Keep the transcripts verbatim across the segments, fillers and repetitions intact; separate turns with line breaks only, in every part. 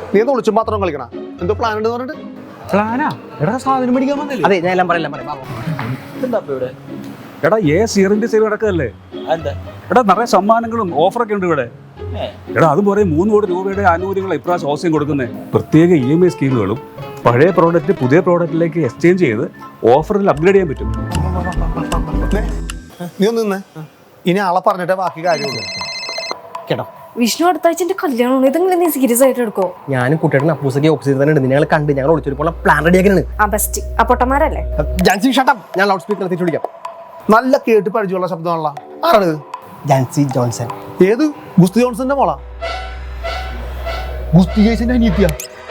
നീ ഒന്ന് വിളിച്ചും മാത്രം കളിക്കണ എന്തോ പ്ലാൻ ഉണ്ട് പറഞ്ഞിട്ട്
പ്ലാനാ എടാ സാധനം മേടിക്കാൻ വന്നില്ലേ?
അതെ ഞാൻ എല്ലാം പറയാം പറയാം
ഇവിടെ
എടാ ഏ സീറിന്റെ സേവ് നടക്കല്ലേ?
എന്താ
എടാ നിറയെ സമ്മാനങ്ങളും ഓഫറൊക്കെ ഉണ്ട് ഇവിടെ. എടാ അതും പോലെ മൂന്ന് കോടി രൂപയുടെ ആനുകൂല്യങ്ങൾ ഇപ്രാവശ്യം ഓസ്യം കൊടുക്കുന്നത്. പ്രത്യേക ഇ എം ഐ സ്കീമുകളും പഴയ പ്രോഡക്റ്റ് പുതിയ പ്രോഡക്റ്റിലേക്ക് എക്സ്ചേഞ്ച് ചെയ്ത് ഓഫറിൽ അപ്ഗ്രേഡ് ചെയ്യാൻ പറ്റും.
നീ ഒന്ന് നിന്നേ, ഇനി ആളെ പറഞ്ഞിട്ടേ ബാക്കി കാര്യമുള്ളൂ
കേട്ടോ.
വിഷ്ണു അടുത്ത ആഴ്ച എന്റെ കല്യാണം, ഇതെങ്കിലും നീ സീരിയസ് ആയിട്ട് എടുക്കോ?
ഞാനും കുട്ടിയുടെ അപ്പൂസൊക്കെ ഓപ്പോസിറ്റ് തന്നെ ഉണ്ട്. ഞങ്ങൾ കണ്ട് ഞങ്ങൾ ഒളിച്ചൊരുപ്പോൾ പ്ലാൻ റെഡിയാക്കാനാണ്.
ആ ബെസ്റ്റ്. ആ പൊട്ടന്മാരല്ലേ?
ജാൻസി ഷട്ടം. ഞാൻ ലൗഡ് സ്പീക്കർ എത്തിച്ചു വിളിക്കാം.
നല്ല കേട്ട് പരിചയമുള്ള ശബ്ദമാണല്ലോ. ആരാണ്?
ജാൻസി ജോൺസൺ.
ഏത്? ഗുസ്തി ജോൺസന്റെ മോളാ? ഗുസ്തി ജേസിന്റെ അനിയത്തിയ?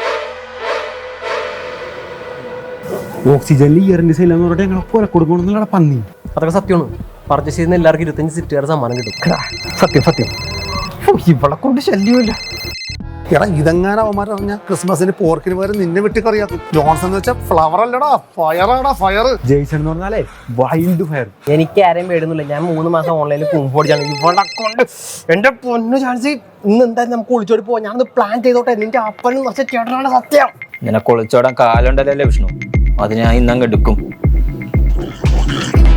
ഓക്സിജനിൽ ഇയറിന്റെ സെയിലെന്ന് പറഞ്ഞിട്ട് ഞങ്ങളെ കൊല കൊടുക്കണമെന്നുള്ള പന്നി.
അതൊക്കെ സത്യമാണ്. പർച്ചേസ് ചെയ്യുന്ന എല്ലാവർക്കും ഇരുപത്തഞ്ച് സിറ്റുകാരുടെ സമ്മാനം കിട്ടും. സത്യം സത്യം. ഇവളെ കൊണ്ട് ശല്യമില്ല.
എടാ ഇതെങ്ങാനും അവന്മാർ പറഞ്ഞ ക്രിസ്മസിന് പോർക്കിന് പകരം നിന്നെ വെട്ടിക്കറിയാക്കും. ജോൺസൺ എന്ന് വെച്ചാൽ ഫ്ലവർ അല്ലടാ, ഫയറാടാ ഫയർ.
ജെയ്സൺ എന്ന് പറഞ്ഞാലേ വൈൽഡ് ഫയർ.
എനിക്ക് ആരെയും പേടുന്നില്ല. ഞാൻ മൂന്ന് മാസം ഓൺലൈനിൽ കുമ്പോടിച്ചാണ്. ഇവളെ കൊണ്ട് എന്റെ പൊന്നു ചാൻസ് ഇന്ന് എന്തായാലും നമുക്ക് ഒളിച്ചോടി പോവാം. ഞാനത് പ്ലാൻ ചെയ്തോട്ടെ. നിന്റെ അപ്പനും കുറച്ച് ചേട്ടനാണ് സത്യം.
നിനക്ക് ഒളിച്ചോടാൻ കാലുണ്ടല്ലേ വിഷ്ണു? അത് ഞാൻ ഇന്നങ്ങ് എടുക്കും.